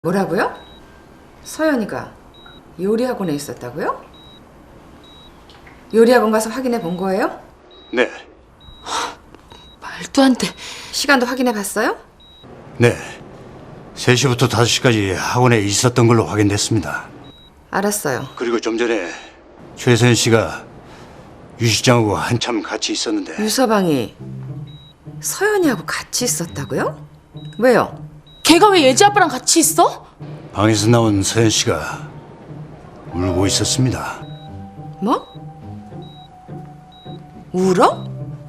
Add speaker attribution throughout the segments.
Speaker 1: 뭐라고요? 서연이가 요리학원에 있었다고요? 요리학원 가서 확인해 본 거예요?
Speaker 2: 네.
Speaker 3: 말도 안 돼.
Speaker 1: 시간도 확인해 봤어요?
Speaker 2: 네. 3시부터 5시까지 학원에 있었던 걸로 확인됐습니다.
Speaker 1: 알았어요.
Speaker 2: 그리고 좀 전에 최선 씨가 유 실장하고 한참 같이 있었는데
Speaker 1: 유서방이 서연이하고 같이 있었다고요? 왜요?
Speaker 3: 걔가 왜 예지 아빠랑 같이 있어?
Speaker 2: 방에서 나온 서연 씨가 울고 있었습니다.
Speaker 1: 뭐? 울어?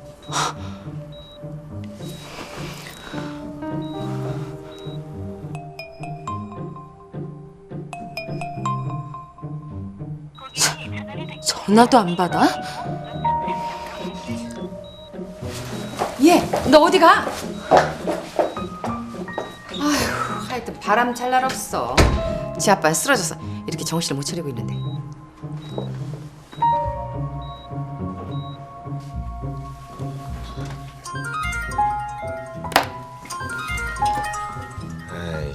Speaker 3: 전화도 안 받아?
Speaker 1: 얘, 너 어디 가? 아휴, 하여튼 바람 잘 날 없어. 지 아빠는 쓰러져서 이렇게 정신을 못 차리고 있는데.
Speaker 4: 에이,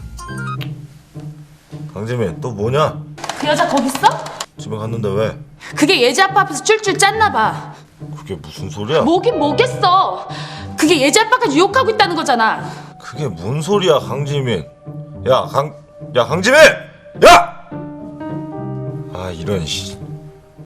Speaker 4: 강재민 또 뭐냐?
Speaker 3: 그 여자 거기 있어?
Speaker 4: 집에 갔는데 왜?
Speaker 3: 그게 예지 아빠 앞에서 쫄쫄 짰나 봐.
Speaker 4: 그게 무슨 소리야?
Speaker 3: 뭐긴 뭐겠어. 그게 예지 아빠가 유혹하고 있다는 거잖아.
Speaker 4: 그게 뭔 소리야, 강재민? 야, 강재민! 야! 아, 이런 씨.